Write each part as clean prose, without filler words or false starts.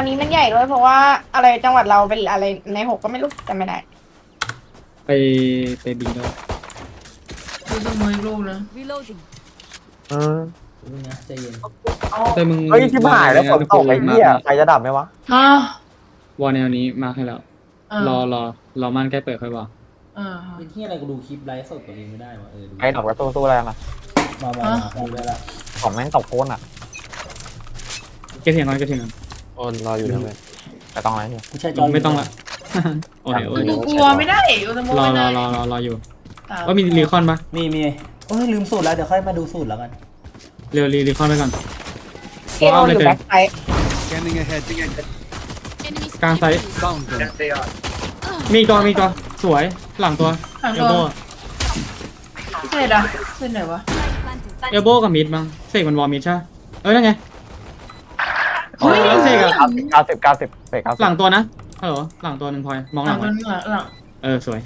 นนี้มันใหญ่ด้วยเพราะว่าอะไรจังหวัดเราเป็นอะไรใน6ก็ไม่รู้จำไม่ได้ไปบีด้วยดูสมัยลูกนะ Reloading. ดูนะใจเย็นแต่มึงเฮ้ยชิบหายแล้วฝนตกไอ้เหี้ยใครจะดับไหมวะฮะวอลแนวนี้มาให้แล้วรอมันใกล้เปิดค่อยบอกเป็นที่อะไรกูดูคลิปไลฟ์สดตัวเองไม่ได้วะดูไอ้ดับก็สู้อะไรล่ะมาดูได้ละของแม่งตกโคตรอ่ะเก็บเสียงก่อนโอนรออยู่ด้วยแต่ต้องอะไรเนี่ยกูใช้จอยไม่ต้องละโอ้ยดูกลัวไม่ได้ดูสมัยรอไม่ได้รออยู่ว่ามีรีคอนปะมีโอ้ยลืมสูตรแล้วเดี๋ยวค่อยมาดูสูตรแล้วกันเร็วรีคอนไปก่อนเกมอยู่แบ็คไซด์ Scanning ahead. Enemy กลางไซส์ Found them. มีตัวสวยหลังตัวหลังเอตัลวโบเสร็จอ่ะเสร็จไหนวะ planted. เอลโบกับมิดมั้งเสกมันวอลมิดใช่นั่นไง เสกอะ 90เสก90 หลังตัวนะฮัลโหลหลังตัวหนึ่งพลอยมองหหลัลังงตัไว้วหลังสวย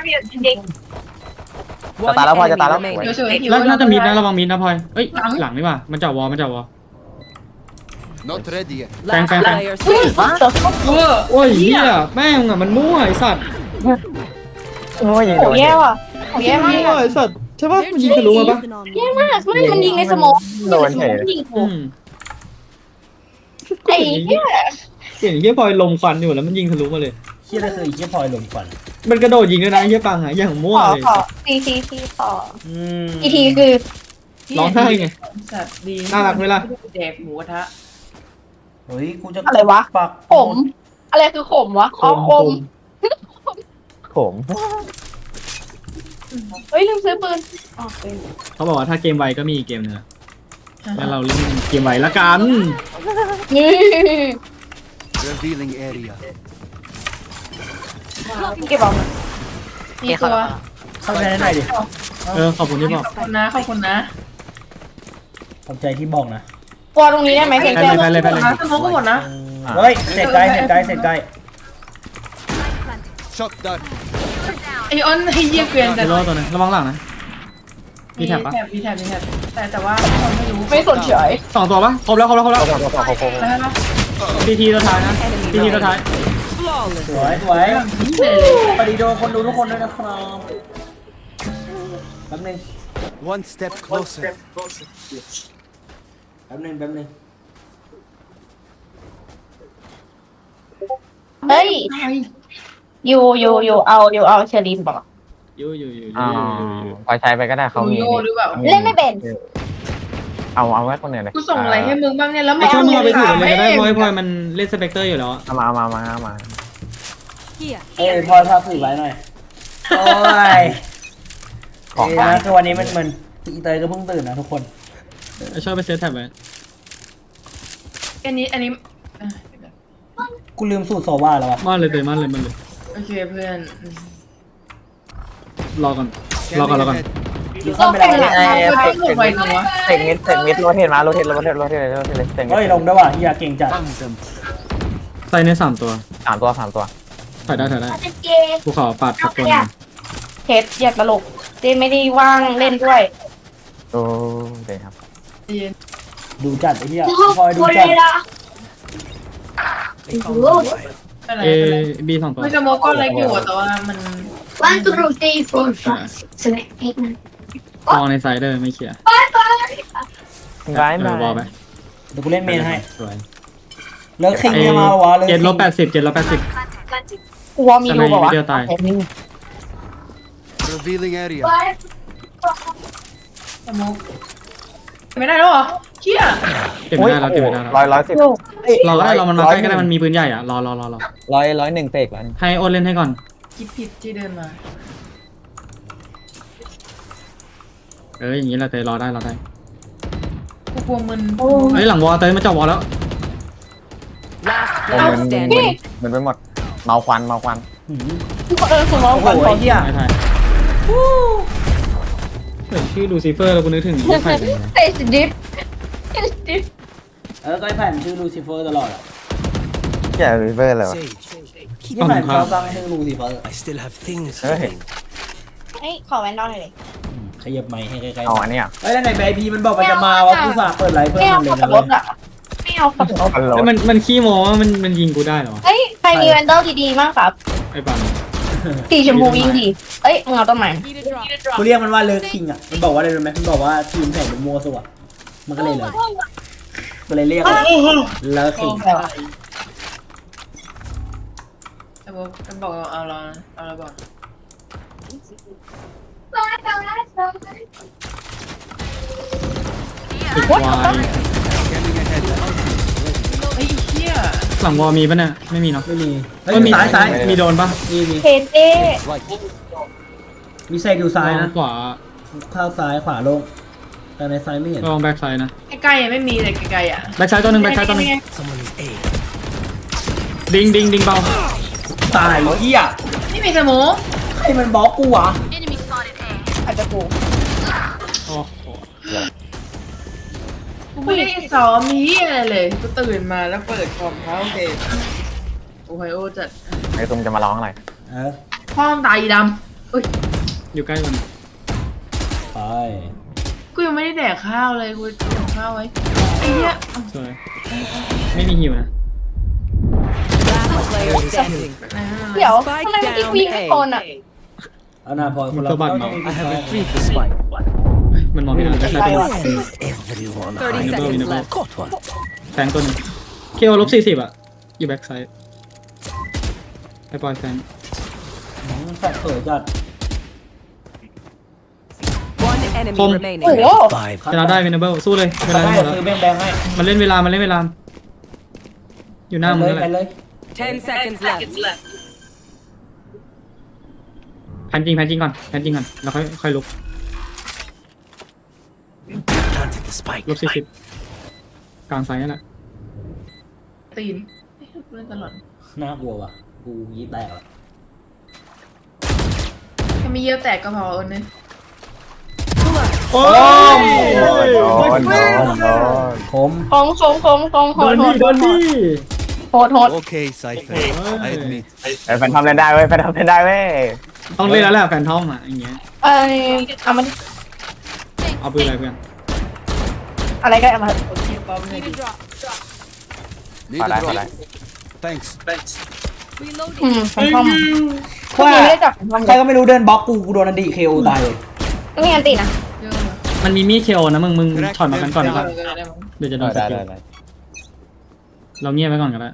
จะตายแล้วพอจะตายแล้วเดี๋ยวเฉยหิวแล้วน่าจะมิดนะระวังมิดนะพลอยหลังนี่ว่ะมันจับวอล Not ready yet. Last Bang. player standing. เวอร์โอ้ยเฮียแม่งอะมันมั่วไอสัตว์โอ้ยยิงโหโดนแย่ว่ะโหแย่มากมั่วไอสัตว์ใช่ปะมันยิงทะลุมาปะแย่มากไม่มันยิงในสโมองโดนเฉยยิงอืมไอ้เหี้ยเห็นเฮียพลอยลมควันอยู่แล้วมันยิงทะลุมาเลยเฮียอะไรคือเฮียพลอยลมควันมันกระโดดยิงด้วยนะเฮียปังอะอย่างมั่วเลยขอทีขออืมอีทีคือร้องไห้ไงสัตว์ดีน่ารักไหมล่ะแดกหมูกระทะเฮ้ยกูจะอะไรวะปักขมอะไรคือขมวะอ๋อขมผมเฮ้ยลืมซื้อปืนอ๋อปืนเขาบอกว่าถ้าเกมไวก็มีอีกเกมนึงอะงั้นเราเล่นเกมไวละกันนี่ Revealing area. เก็บเอามีตัวเข้าใจได้หน่อยดิขอบคุณที่บอกขอบคุณนะขอบคุณนะขอบใจที่บอกนะกลัวตรงนี้ได้ไหมเพียงแค่ไปเลยสมองก็หมดนะเฮ้ยเสร็จใกล้เสร็จใกล้ Shot down. ไอออนให้เยี่ยเกวียนเซโร่ตัวนึงระวังหลังนะมีแท็บปะมีแถบแต่ว่าคนไม่รู้ไม่สนเฉยสองตัวปะครบแล้วโคตรแล้วนะทีตัวท้ายนะทีตัวท้ายสวยสวยปฏิโดคนดูทุกคนด้วยนะครับแป๊บนึง One step closer. แป๊บนึงเฮ้ยอยู่เอาเชอรีนบอกอยู่พอใช้ไปก็ได้เขาดูมีโยหรือเปล่าเล่นไม่เป็นเอาไว้คนอื่นเลยกูส่งอะไรให้มึงบ้างเนี่ยแล้วไอช่วงมึงเอาไปถือเลยก็ได้พลอยมันเล่นสเปกเตอร์อยู่แล้วเอามา Here. เอ้ยพลอยภาพถือไว้หน่อยโอ้ยของนะคือวันนี้มันเหมือนอีเตยก็เพิ่งตื่นนะทุกคนไอชอบไปเซตแท็บไว้อันนี้กูลืมสูตรโซวาแล้ววะมันเลยโอเคเพื่อนรอก่อน Scanning ahead. ลืมเข้าไปแล้วเสกมิดโรเทตมาโรเทตเลยเสกมิเฮ้ยดลงด้วยว่ะอย่าเก่งจัด Found them. ใส่ใน3ตัว 3 ตัวถ่ายได้กูขอปัดสักตัวเทสอยากตลกเจไม่ได้ว่างเล่นด้วยโอ้เดี๋ยวครับดูจัดไอ้เหี้ยพลอยดูจัดอะไรบี2ตัวไม่สมองก็เล็กอยู่แต่ว่ามัน 1, 2, 3, 4, 5, 6, 7, 8, 9. มองในไซด์เดอร์ไม่เคลียร์ร้ายมาบอลไปเดี๋ยวกูเล่นเมนให้สวยแล้วคิงจะมาวะเลย 780 กลัวมีสรูไนบอกว่าเดียวตาย Revealing area. สมองไม่ได้แล้วเหรอเชี่ยเก็บไม่ได้แล้ว 110 เราก็ได้เรามันมาใกล้ก็ได้มันมีปืนใหญ่อ่ะรอ 101เสกแล้วให้โอนเล่นให้ก่อนคิดผิดที่เดินมาอย่างนี้เราเตยรอได้กูกลัวมึนหลังวอลเตยมาจับวอลแล้ว Last โอ้ player standing. มันไปหมดเมาควันหืมสมองโอ้โหก่อนไอ้เหี้ยไม่ทันเฮ้ยชื่อลูซิเฟอร์แล้วกูนึกถึงใครเลยนะเตสดิฟก็ไอ้แผ่นชื่อลูซิเฟอร์ตลอดอ่ะแย่ริเวอร์เลยวะ Sage. ที่แผ่นเขาตั้งให้ลูซิเฟอร์ I still have things Hey. to do. เฮ้ยขอแว่นนอนหน่อยเลยขยับไมค์ให้ใกล้เอาอันนี้อ่ะๆเฮ้ยแล้วไหนไอพีมันบอกมันจะมาวะกูฝากเปิดไลฟ์เพื่อนแก้วมันเลยขับนะรเว้ยถอ่ะเอากระเป๋าฮัลโหลแล้วมันขี้โม้ว่ามันยิงกูได้เหรอเฮ้ยใครมีแวนเดลดีๆมากครับไอ้ปังสีชมพูยิงดีเอ้ยมึงเอาต้นไม้ Need a drop. กูเรียกมันว่าเลิกคิงอ่ะมันบอกว่าอะไรรู้ไหมมันบอกว่าทีมแข่งเป็นมัวสุดมันก็เลยเลยก็เลยเรียกว่าเลิกคิงจะบอกเอาเราบอกติดวาย Scanning ahead. ไอ้เหี้ยหลังวอลมีปะเนี่ยไม่มีเนาะไม่มีเฮ้ยก็มีซ้ายมีโดนปะมีเทเต้ Right. มีเซกอยู่ซ้ายนะขวาเข้าซ้ายขวาลงแต่ในซ้ายไม่เห็นลองแบ็กไซด์นะใกล้ๆยังไม่มีเลยไกลๆอ่ะแบ็กไซด์ตัวหนึ่งแบ็กไซด์ตัวหนึ่ง Someone is A. ดิงเบาตายเหี้ยนี่มีสมูใครมันบล็อกกูวะ Enemy spotted A. อาจจะกูโอ้โหกูไม่ได้ซ้อมมีอะไรเลยกูตื่นมาแล้วเปิดคอมเขาโอเคโอไฮโอจัดไอ้ตุ้มจะมาร้องอะไรเออพ่อมตายดำอุ้ยอยู่ใกล้กันไปกูยังไม่ได้แดกข้าวเลยกูกินข้าวไว้ไอ้เหี้ยสวยไม่มีหิวนะเดี๋ยวทำไมมันวิ่งไม่โคนอ่ะเอาหน้าพอคนละสะบัดเมาส์ I have retrieved the spike. มันมองไม่เห็นแบ็กไซด์ตัวหนึง Is everyone วินเบอร์วินเบอร์ Caught one. แฟงตัวหนึงเคโอ-40อ่ะอยู่แบ็กไซด์ไอ้บอยแฟงแฟดเปิดจัด One enemy Không. remaining. โอ้โห Five. ชนะได้วินเบอร์สู้เลยเวลาได้หมดแล้วซื้อแบงค์ให้มันเล่นเวลาอยู่หน้ามึงนั่นแหไปละเลย 10 seconds left. แพนจริงก่อนแล้วค่อยลุก Planted the spike. 40กลางไซด์นั่นแหละตีนเล่นตลอดน่ากลัวว่ะกูยี้แตกอ่ะแค่ไม่เยี่ยวแตกก็พอเออเนี่ยโอ้ยโดนผมโหดโดนดิโหด Okay, Cypher. I admit. ไอ้แฟนทอมเล่นได้เว้ยแฟนทอมเล่นได้เว้ยต้องเล่นแล้วแหละแฟนทอมอ่ะอย่างเงี้ยเอามาเอาปืนอะไรเพื่อนอะไรก็เอามาโอเคป๊อปเลย Need a drop. Need ขอ a ได้ drop. Thanks. Reloading. แฟนทอมพวกนี้ไม่ได้จับแฟนทอมใครก็ไม่รู้เดินบล็อกกูโดนอันดีเคโอตายเลยก็มีอันตีนะเยอะเลยมันมีมีดเคโอนะมึงถอยมากันก่อนดีกว่าได้มั้งเดี๋ยวจะโดนสได้กิลได้เราเงียบไว้ก่อนก็ได้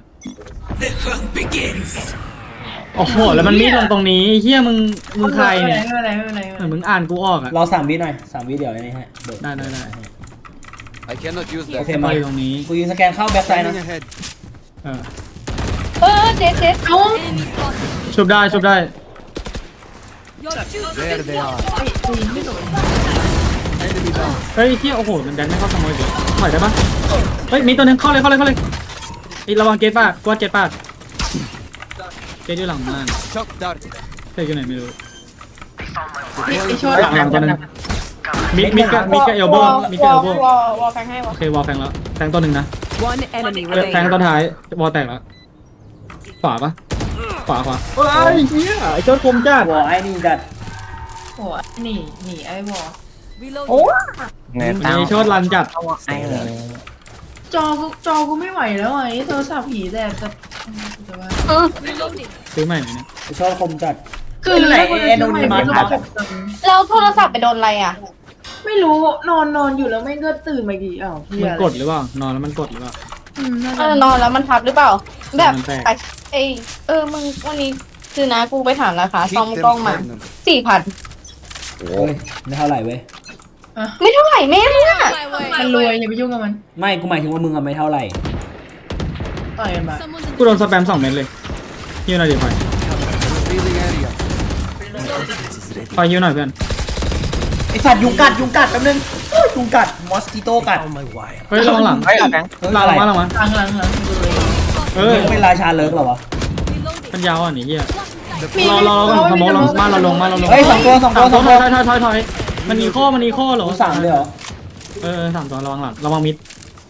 โอ้โหแล้วมันมีดลงตรงนี้เฮียมึงใครเนี่ยไม่เป็นไรเหมือนมึงอ่านกูออกอ่ะรอ3 วิหน่อย3 วิเดี๋ยวไอ้นี่ฮะเดี๋ยวได้ I cannot use โอ that. เคไปมาตรงนี้กูยิงสแกนเข้าแบ็คไซด์นะ Scanning ahead. เออเจ๊เอ้า Enemy spotted. ชุบได้ Your shoes. There they are. ไม่โดน Enemy down. เฮ้ยเฮียโอ้โหมันแดนไม่เข้าขโมยเลยถอยได้ปะเฮ้ยมีตัวหนึงเข้าเลยไอ้ระวังเกตปากกวาดเกตปากเกตอยู่หลังม่าน Shock dart. เกตอยู่ไหนไม่รู้ไอ้ช่วยหลังตัวหนึงมิดก็เอลโบมิดก็เอลโบวอลแฟงให้วอโอเควอลแฟงแล้วแฟงตัวหนึ่งนะ One enemy แฟง remaining. ตัวท้ายวอลแตกแล้วขวาปะขวาเฮ้ยเฮียไอ้เจ้าคมจ้าหัวไอ้นี่จัดโอ้หนีไอ้วอโอ้เน็ตไอ้โชดรันจัดไอ้จอกูไม่ไหวแล้วไอ้โทรศัพท์ผีแต่ว่า Reloading. ซื้อใหม่ไหมเนี่ยไอ้ชอบคมจัดคือไหนไม่เราโทรศัพท์ไปโดนอะไรอ่ะไม่รู้นอนอยู่แล้วไม่ก็ตื่นมากี่อ้าวเฮีมัยนกดหรือเปล่านอนแล้วมันกดหรือเปล่านอนแล้วมันทับหรือเปล่า แบบมันแตกมึงวันนี้คือนะกูไปถามราคา Keep ซ่อม them กล้องมา cornered. 4,000 เฮ้ยไม่เท่าไหร่เว้ยไม่เท่าไหร่แม่มึงอ่ะ My way. มันรวยอย่าไปยุ่งกับมันไม่กูหมายถึงว่ามึงอะไม่เท่าไหร่ต่อยกันมา Someone's in กูโดนสแปม2 เม็ดเลยฮิวหน่อยดิพลอย Revealing area. พลอยฮิวหน่อยเพื่อนไอสัตว์ยุงกัดแป๊บนึงยุงกัดมอสกิโต้กัด On my wire. เฮ้ยระวังหลังเฮ้ยแฟงหลังมาหลังเออมึงเป็นราชาเลิกเหรอวะ reloading. มันยาวอ่ะนี่เฮียมีรอก่อนขโมยลงมาเราลงเฮ้ยสองตัวถอยมันมีข้อเหรอกูสั่งเลยเหรอ 3 ตัวระวังหลังระวังมิด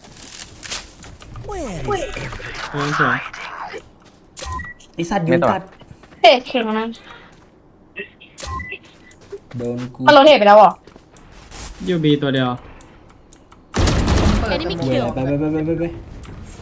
สวยไอสัตว์ยุงกัดเตะเข่งนะโดนกูมันโรเทตไปแล้วเหรอยูบีตัวเดียว Enemy เว้ย kill. ไป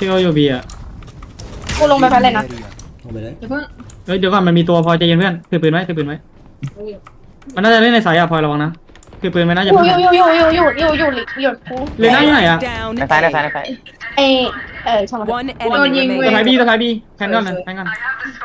ที่เขาอยู่บีอ่ะกูลงไปแพ้เลยนะ Area. ลงไปเลยเดี๋ยวเพิ่งเฮ้ยเดี๋ยวก่อนมันมีตัวพลอยใจเย็นเพื่อนถือปืนไว้ถือปืนไว้มันน่าจะเล่นในสายอ่ะพลอยระวังนะถือปืนไว้นะอย่าอยู่เพิ่งอยู่กูเลยหน้าอยู่ไหนอ่ะ Down ในซ้ายในซ้ายในซ้ายไอช่างมัน One โดน enemy ยิงเว้สะพาย remaining. บีสะพายบีแพนก่อนเลยแพนก่อน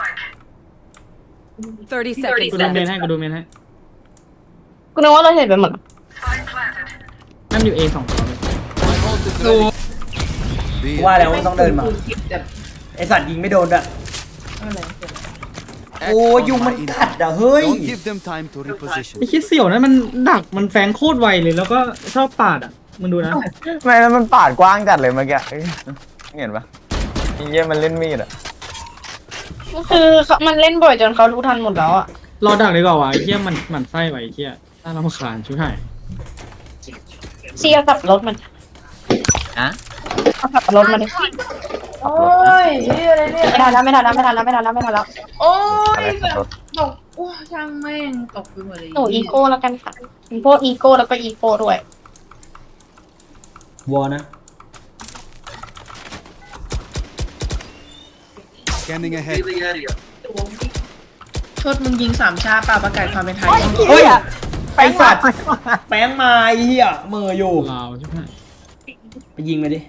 30 seconds กูดูเมน left. ให้กูดูเมนให้กูนึกว่าเราเห็นไปหมดนั่นอยู่ A 2ตัวเลย My ult is ดู ready. B. ว่าแล้วมันต้องเดินมากูคิดแบบไอสัตว์ยิงไม่โดนอะอะไรโอ้ยุงมันกัดอะเฮ้ย Don't give them time to reposition. ไอ้คิดเสี่ยวนะมันดักมันแฝงโคตรไวเลยแล้วก็ชอบปาดอ่ะมึงดูนะไม่แล้วมันปาดกว้างจัดเลยเมื่อกี้เห็นปะไอ้เหี้ยมันเล่นมีดอ่ะคือมันเล่นบ่อยจนเขารู้ทันหมดแล้วอ่ะรอดักดีกว่าวะไอ้เหี้ยมันไส้ไว้ไอ้เหี้ยน่ารำคาญชิบหายเชียร์ขับรถมันอะเอาขับรถมาดิโอ้ยเฮียอะไรเนี่ยไม่ทันแล้วไม่ทันแล้วไม่ทันแล้วไม่ทันแล้วไม่ทันแล้วโอ้ยอะไรแบบรถตกโอ้ช่างแม่งตกไปหมดเลยหนูอีโก้แล้วกันค่ะมีพวกอีโก้แล้วก็อีโก้ด้วยวอนะ Scanning ahead. ชดมึงยิง3ชาป่าประกาศความเป็นไทยเฮ้ยไอสัตว์แป้งมาไอ้เหี้ยเหมืออยู่ลาวชิบหายไปยิงไปดิ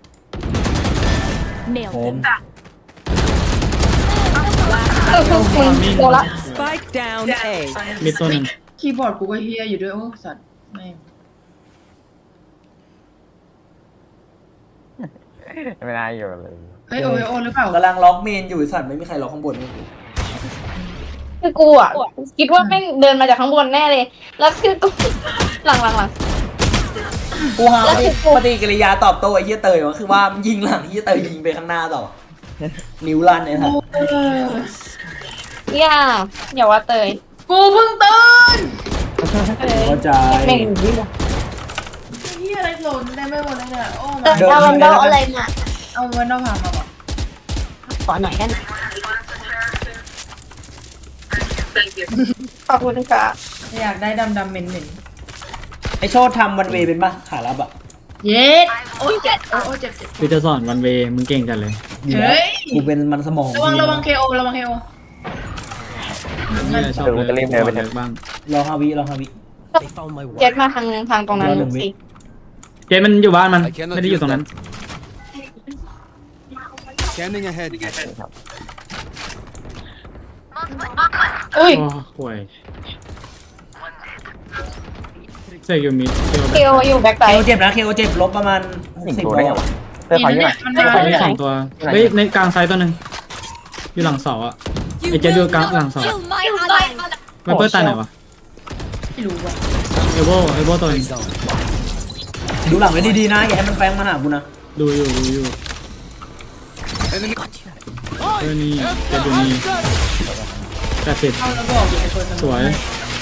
Nailed ผม them. มึงโดนละ Spike down A. มีตัวหนึ่งคีย์บอร์ดกูก็เฮียอยู่ด้วยโอ้สัตว์แม่งไม่น่าอยู่เลยเฮ้ยโอโอหรือเปล่ากำลังล็อกเมนอยู่ไอ้สัตว์ไม่มีใครล็อกข้างบนเลยคือกูอ่ะคิดว่าแม่งเดินมาจากข้างบนแน่เลย แล้วคือกูหลังกูหาปฏิกิริยาตอบโต้ไอ้เหี้ยเตยว่าคือว่ามันยิงหลังไอ้เหี้ยเตยยิงไปข้างหน้าต่อ นิ้วลั่นไอ้สัตว์อย่าว่าเตยกูเพิ่งตื่นเข้าใจแม่งอยู่นี่หมดเฮียอะไรหล่นได้ไม่หมดเลยเนี่ยโอ้เตยเอาวันเดาอะไรมาเอาวันนอกพามาบอกขอหน่อยกันขอบคุณค่ะอยากได้ดำเหม็นไอโชดทำวันเวเป็นปะขาลับอะๆเย็ดโอ้ยเจ็บโอ้ยเจ็บกูจะสอนวันเวมึงเก่งจัดเลยอยู่แล้วเฮ้ยกูเป็นมันสมองระวังเคโอระวังเคโอนี่แหละชอบเลยเลิกบ้างรอ5 วิรอ5 วิเจ็ดมาทางตรงนั้นสิเจมันอยู่บ้านมันไม่ได้อยู่ตรงนั้น Scanning ahead. อุ้ยโอ้ห่วยเสกอยู่มิดเคโออยู่แบ็คไซเคโอด์เจ็บนะเคโอเจ็บลบประมาณหนึ่ง 60 ตัวได้ไงวะเสื้อขาวยี่ห้อมันไม่มาได้มีสองตัวเฮ้ยในกลางไซต์ตัวหนึ่งอยู่หลังเสาอ่ะ You ไอ้เจดู will กลาง not หลังเสา kill my allies. ไวเปอร์ตายไหนวะไม่รู้ว่ะเอโบตัวนึงดูหลังไว้ดีๆนะอย่าให้มันแฟงมาหากูนะดูอยู่ Enemy. เออนี่เจดูนี่80 เอาแล้วบอกอยู่ไอ้คนสวย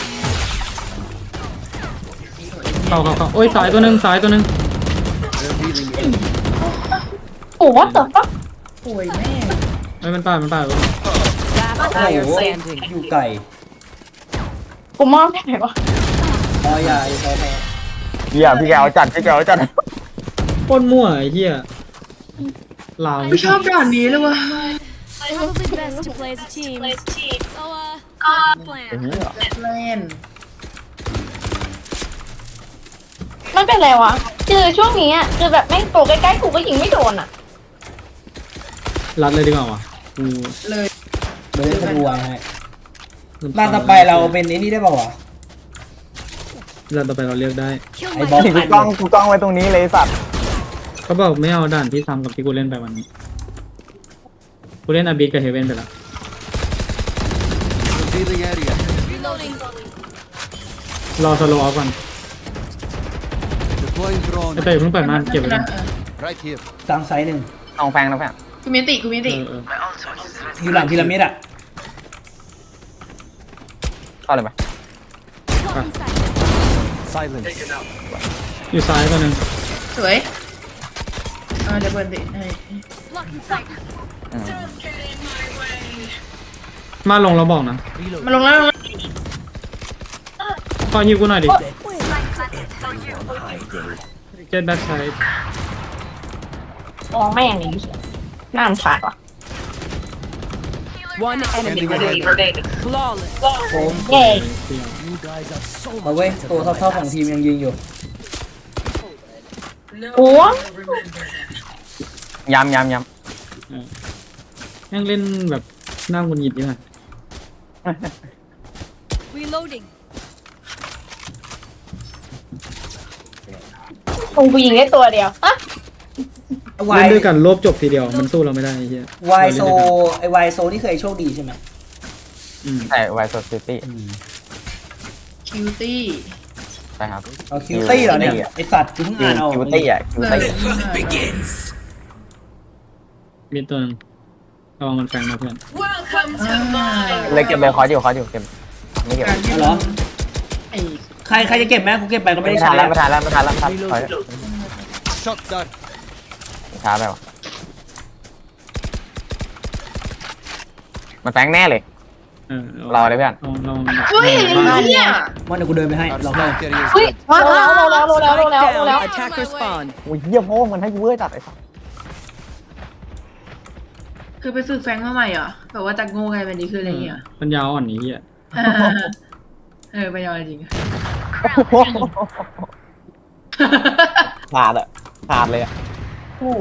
เข้าโอ้ยสายตัวหนึ่ง They're healing. โอ้what the fuck ป่วยแม่เอ้ยมันป่า Last โอ้ player โห standing. อยู่ไก่กูมอบได้ไหนวะพอยาพอเหี้ยพี่แกเอาจัดพี่แกเอาจัดโคตรมั่วไอ้เหี้ยลาวไม่ชอบด่านนี้เลยว่ะ Probably best to play as a team. So, plan. เล่นมันเป็นไรวะคือช่วงนี้อ่ะคือแบบแม่งโตใกล้ๆกูก็ยิงไม่โดนอ่ะรัดเลยดีกว่าวะกูเลยเดี๋ยวจะดูไว้ให้บ้านต่อไปเราเป็นไอ้นี่ได้ป่าวะรัดต่อไปเราเลือกได้ Kill ไอ้ my บอสกูกล้องไว้ตรงนี้เลยสัตว์เขาบอกไม่เอาด่านที่ซ้ำกับที่กูเล่นไปวันนี้กูเล่นอาบีกับเฮเว่นไปแล้ว Revealing area. reloading. รอสโลว์เอาก่อน Deploying ไอ้ drone. เตยเพิ่งเปิดม่านเก็บไว้ก่อน Right here. กลางไซส์หนึ่งเอาแฟงนะแฟงกูมีติกูมีติเอออยู่หลังพีระมิดอะเข้าเลยไหม Blocking sight. Silence. อยู่ซ้ายตัวหนึ่งสวยเดี๋ยวเปิดติให้ Blocking sight. มาลงแล้วบอกนะมาลงแล้วขอฮิวกูหน่อยดิเจ็ดแบ็คไซด์มองแม่งนี่น่ารำคาญว่ะ One enemy Standing remaining. Flawless. โอมเย้ You guys are so มาเว้ยตัวเท่าๆของทีมยังยิงอยู่หัวย้ำยังเล่นแบบหน้าหงุดหงิดดีกว่า Reloading. คงกูยิงได้ตัวเดียวอะวาเล่ยนด้วยกันรวบจบทีเดียวมันสู้เราไม่ได้ไอ้เหี้ยวายโซเราเล่นด้วยกันไอวายโซนี่เคยโชคดีใช่ไหมใช่ไวโซซิตี้คิวตี้ใช่ครับเอาคิวตี้เหรอเนี่ยไอสัตว์กูเพิ่งอ่านเอาคิวตี้อ่ะคิวเลยตี้มีตัวหนึงระวังมันแฝงนะเพื่อนเลยเก็บเลยคออยู่เก็บไม่เก็บการที่เหรอไอ้ใครจะเก็บไหมกูเก็บไปก็ไม่ไม่ได้ทัใช้นแล้วไม่ทันแล้วถอย shot dart. ช้าไปว่ะมันแฝงแน่เลยเออรอเลยเพื่อนเราเฮ้ยไอ้เนี่ยมันเดี๋ยวกูเดินไปให้ Our ลองให้ spike carrier is เฮ้ย dead. โลแล้ว Spike โลแล้ว down. Attacker spawn. โอ้ยเยี่ยมโม่มันให้กูเว้ยจัดไอ้สัสคือไปฝึกแฟงมาใหม่เหรอแบบว่าจากโง่กลายเป็นดีคืออะไรเงี้ยปัญญาอ่อนนี้เหี้ยไปยอมจริงขาดเลยอ่ะโอ้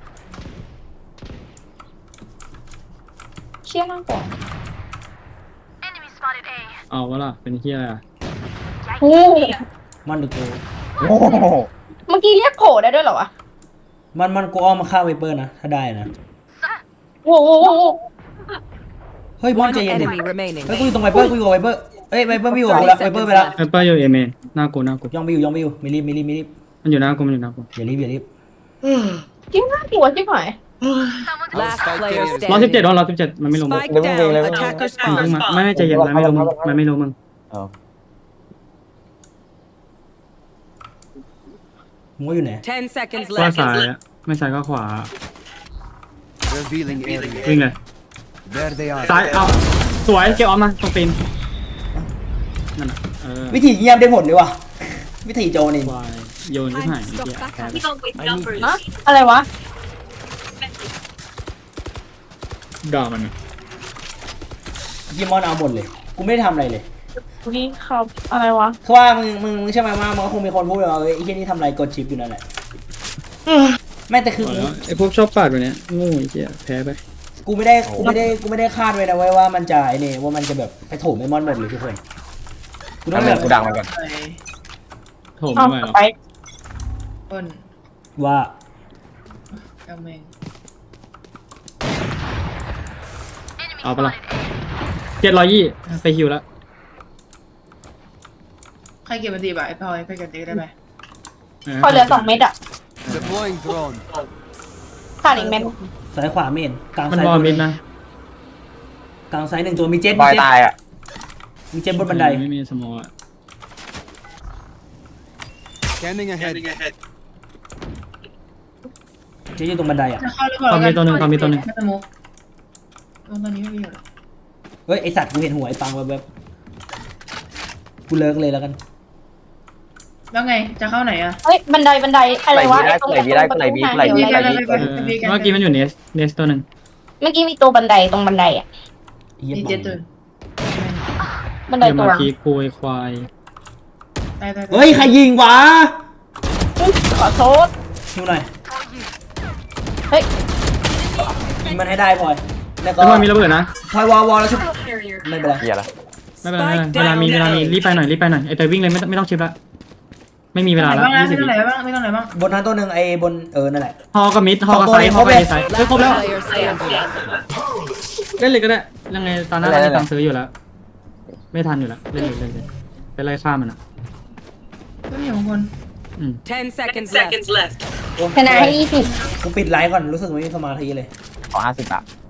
เชี่ยมากกว่าเอาวะล่ะเป็นเหี้ยอะไรอะโอ้มันเดี๋ยวกูโอ้โหเมื่อกี้เรียกโผล่ได้ด้วยเหรอวะมันกูอ้อมมาฆ่าไวเปอร์นะถ้าได้นะโอ้โหเฮ้ยบอล One ใจเย็นดิ enemy remaining. เฮ้ยกูอยู่ตรงไวเปอร์กูอยู่กับไวเปอร์เอ้ยไวเปอร์ไม่อยู่กับกูแล้วไวเปอร์ไปแล้วไอ้เป้าอยู่เอเมนหน้ากูย่องไปอยู่ไม่รีบมันอยู่หน้ากูอย่ารีบจริงน่ากลัวชิบหาย Our Last spike player carrier is ร้อยสิบ standing. เจ็ดร้อยสิบเจ็ดมันไม่ลงมึง Spike down. Attacker มึง spawn. มาไม่ใจเย็นมันไม่ลงมึงมันไม่ลงมึงเออมึงว่าอยู่ไหน 10 seconds ก็ left. ซ้ายอะไม่ซ้ายก็ขวา revealing area. วิ่งเลย There they are. ซ้ายเอาสวยเก็บออมมาตรงตีนนั่นน่ะวิธีเยี่ยมได้ผลเลยว่ะวิธีโจนี่วายโยนขึ้นหายไอ้เหี้ยแพ้ไปฮะอะไรวะด่ามันอะยิมอนเอาหมดเลยกูไม่ได้ทำอะไรเลยนี่เขาอะไรวะคือว่ามึงใช่ไหมว่ามันก็คงมีคนพูดว่าเอ้ยไอ้ที่นี่ทำอะไรกดชิปอยู่นั่นแหละแม่แต่คือเอาแล้วไอ้พวกชอบปาดแบบเนี้ยโง่ไอ้เหี้ยแพ้ไปกูไม่ได้คาดไว้นะว่ามันจะไอ้นี่ว่ามันจะแบบไปโถมไอ้มอนหมดเลยทุกคนกูต้องทำแบแบบบกูดังมันก่อนไปโถมเอาไม่ไหวหรอกไปต้นว่ากำเมงเอาปะล่ะ720ไปฮิวแล้วใครเก็บมาตีบ่ะไอ้พลอยไปเก็บตีได้ไหมพอเหลือ2 เม็ดอ่ะ Deploying drone. ขาดอีกเม็ดซ้ายขวาเมนกลางมันซ้ายบอลมิดนะกลางซ้ายหนึ่งตัวมีเจ็ตบอยตายอ่ะมีเจ็ตบนบันไดไม่มีสมองอะ Scanning ahead. เจ็ตอยู่ตรงบันไดอ่ะจะเข้าหรือเปล่าไม่สมุกตอนนี้ไม่มีอยู่หรอเฮ้ยไอสัตว์กูเห็นหัวไอ้ปังแบบกูเลิกเลยแล้วกันแล้วไงจะเข้าไหนอ่ะเฮ้ยบันไดอะไรวะไหลบีได้ไหลบีเออเมื่อกี้มันอยู่เนสตัวหนึ่งเมื่อกี้มีตัวบันไดตรงบันไดอ่ะดีเจตุนบันไดเดี๋ยวตัวมาคีคุยควายตายเฮ้ยใครยิงวะขอโทษดูหน่อยเฮ้ยยิงมันให้ได้พลอยแล้วก็แล้วมันมีระเบิดนะพลอยวอแล้วชุบไม่เป็นไรเหี้ยละไม่เป็นไรเวลามีรีบไปหน่อยไอ้ไปวิ่งเลยไม่ต้องชิปละไม่มีเวลาแล้วไม่ 20 ต้องวิไหนบ้างไม่ต้องไหนบ้างบนนั้นตัวหนึ่งไอ้บนนั่นแหละฮอกับมิดฮอกับไซด์ฮอกับไซด์ครบแล้ว Player standing. เล่นเลยก็ได้ยังไงตอนนั้นเรามีตังค์ซื้ออยู่แล้ว ไม่ทันอยู่แล้วเล่นเลยไปไล่ฆ่ามันอ่ะไม่มีของคน 10 seconds left. ชนะให้20 กูปิดไลฟ์ก่อนรู้สึกไม่มีสมาธิเลยขอ50 บาท